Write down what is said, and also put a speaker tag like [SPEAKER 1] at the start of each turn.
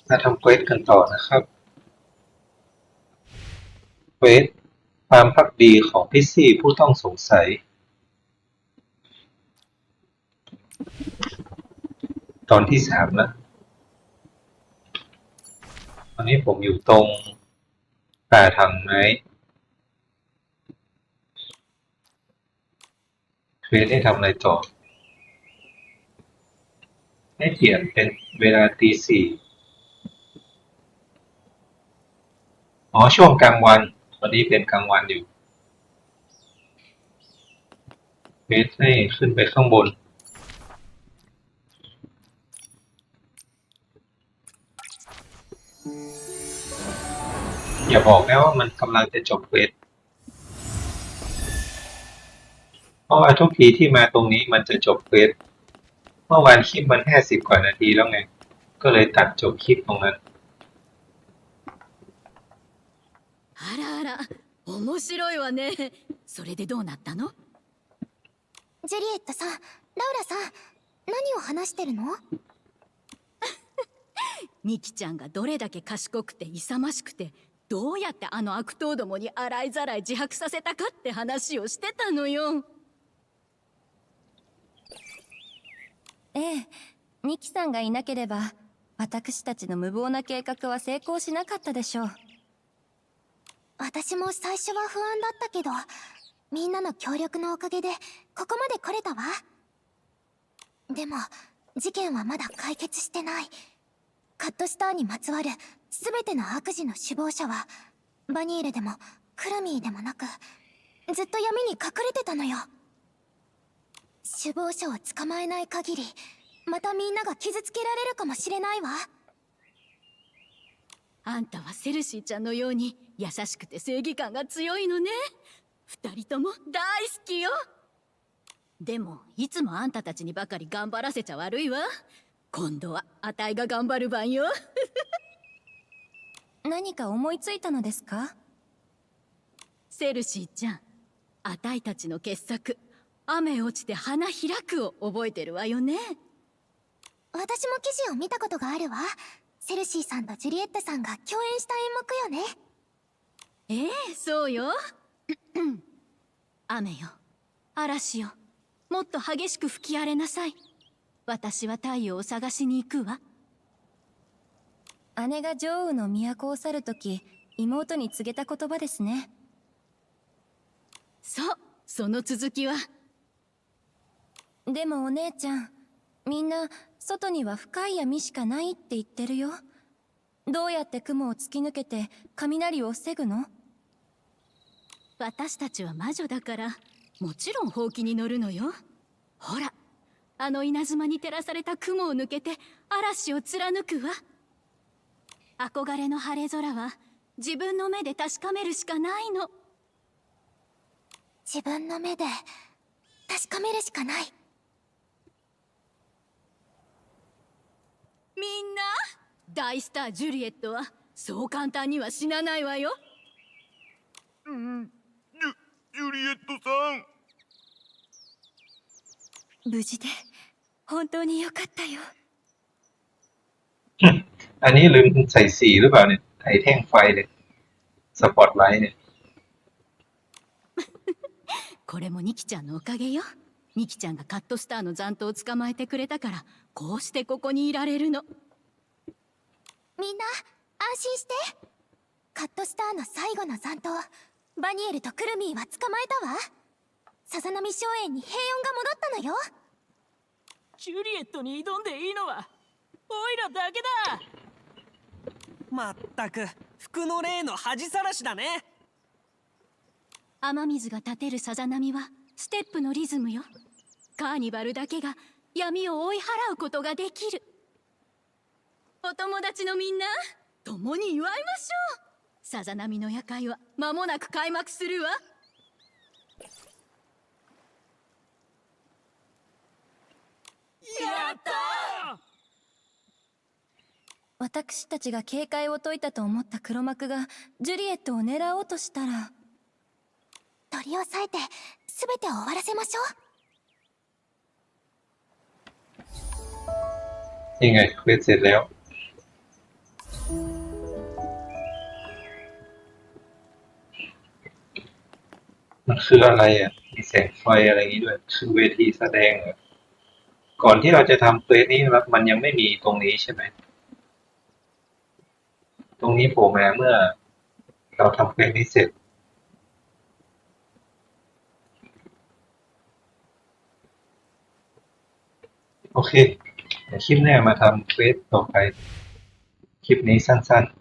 [SPEAKER 1] มาทำเควสกันต่อนะครับเควสความภักดีของพิซซี่ผู้ต้องสงสัยตอนที่3แล้วตอนนี้ผมอยู่ตรงป่าถังไม้เควสให้ทำอะไรต่อให้เปลี่ยนเป็นเวลาตี 4อ๋อช่วงกลางวันตอนนี้เป็นกลางวันอยู่เควสให้ขึ้นไปข้างบนอย่าบอกนะว่ามันกำลังจะจบเควสเพราะว่าทุกทีที่มาตรงนี้มันจะจบเควสเมื่อวานคลิปมัน50 กว่านาทีแล้วไงก็เลยตัดจบคลิปตรงนั้น
[SPEAKER 2] あらあら、面白いわね。それでどうなったの？
[SPEAKER 3] ジュリエットさん、ラウラさん、何を話してるの？
[SPEAKER 2] ミキちゃんがどれだけ賢くて勇ましくて、どうやってあの悪党どもに洗いざらい自白させたかって話をしてたのよ。
[SPEAKER 3] ええ、ミキさんがいなければ、私たちの無謀な計画は成功しなかったでしょう。私も最初は不安だったけど、みんなの協力のおかげでここまで来れたわ。でも事件はまだ解決してない。カットスターにまつわる全ての悪事の首謀者はバニールでもクルミーでもなく、ずっと闇に隠れてたのよ。首謀者を捕まえない限り、またみんなが傷つけられるかもしれないわ。
[SPEAKER 2] あんたはセルシーちゃんのように優しくて正義感が強いのね。二人とも大好きよ。でもいつもあんたたちにばかり頑張らせちゃ悪いわ。今度はあたいが頑張る番よ。
[SPEAKER 3] 何か思いついたのですか？
[SPEAKER 2] セルシーちゃん、あたいたちの傑作「雨落ちて花開く」を覚えてるわよね。
[SPEAKER 3] 私も記事を見たことがあるわ。セルシーさんとジュリエットさんが共演した演目よね。
[SPEAKER 2] ええ、そうよ。雨よ、嵐よ、もっと激しく吹き荒れなさい。私は太陽を探しに行くわ。
[SPEAKER 3] 姉が女王の都を去るとき、妹に告げた言葉ですね。
[SPEAKER 2] そう、その続きは。
[SPEAKER 3] でもお姉ちゃん、みんな外には深い闇しかないって言ってるよ。どうやって雲を突き抜けて雷を防ぐの？
[SPEAKER 2] 私たちは魔女だからもちろんほうきに乗るのよ。ほら、あの稲妻に照らされた雲を抜けて嵐を貫くわ。憧れの晴れ空は自分の目で確かめるしかないの。
[SPEAKER 3] 自分の目で確かめるしかない。
[SPEAKER 2] みんな、大スタージュリエットはそう簡単には死なないわよ。
[SPEAKER 4] ジュリエットさん。
[SPEAKER 3] 無事で本当によかったよ。
[SPEAKER 1] อันนี้ลืมใส่สีหรือเปล่าเนี่ยไอ้แท่งไฟเนี่ยสปอตไลท์เนี่ย
[SPEAKER 2] これもニキちゃんのおかげよ。ニキちゃんがカットスターの残党を捕まえてくれたから、こうしてここにいられるの。
[SPEAKER 3] みんな安心して。カットスターの最後の残党、バニエルとクルミーは捕まえたわ。さざ波荘園に平穏が戻ったのよ。
[SPEAKER 5] ジュリエットに挑んでいいのはオイラだけだ。まったく服の霊の恥さらしだね。
[SPEAKER 2] 雨水が立てるさざ波はステップのリズムよ。カーニバルだけが闇を追い払うことができる。お友達のみんな、共に祝いましょう。さざ波の夜会は間もなく開幕するわ。
[SPEAKER 5] やったー。
[SPEAKER 3] 私たちが警戒を解いたと思った黒幕がジュリエットを狙おうとしたら、取り押さえて全てを終わらせましょう。
[SPEAKER 1] ยังไงเควสเสร็จแล้วมันคืออะไรอ่ะมีแสงไฟอะไรอย่างนี้ด้วยคือเวทีแสดงเหรอก่อนที่เราจะทำเควสนี้มันยังไม่มีตรงนี้ใช่ไหมตรงนี้โผล่มาเมื่อเราทำเควสนี้เสร็จโอเคเดี๋ยวคลิปหน้ามาทำเควสต่อไปคลิปนี้สั้นๆ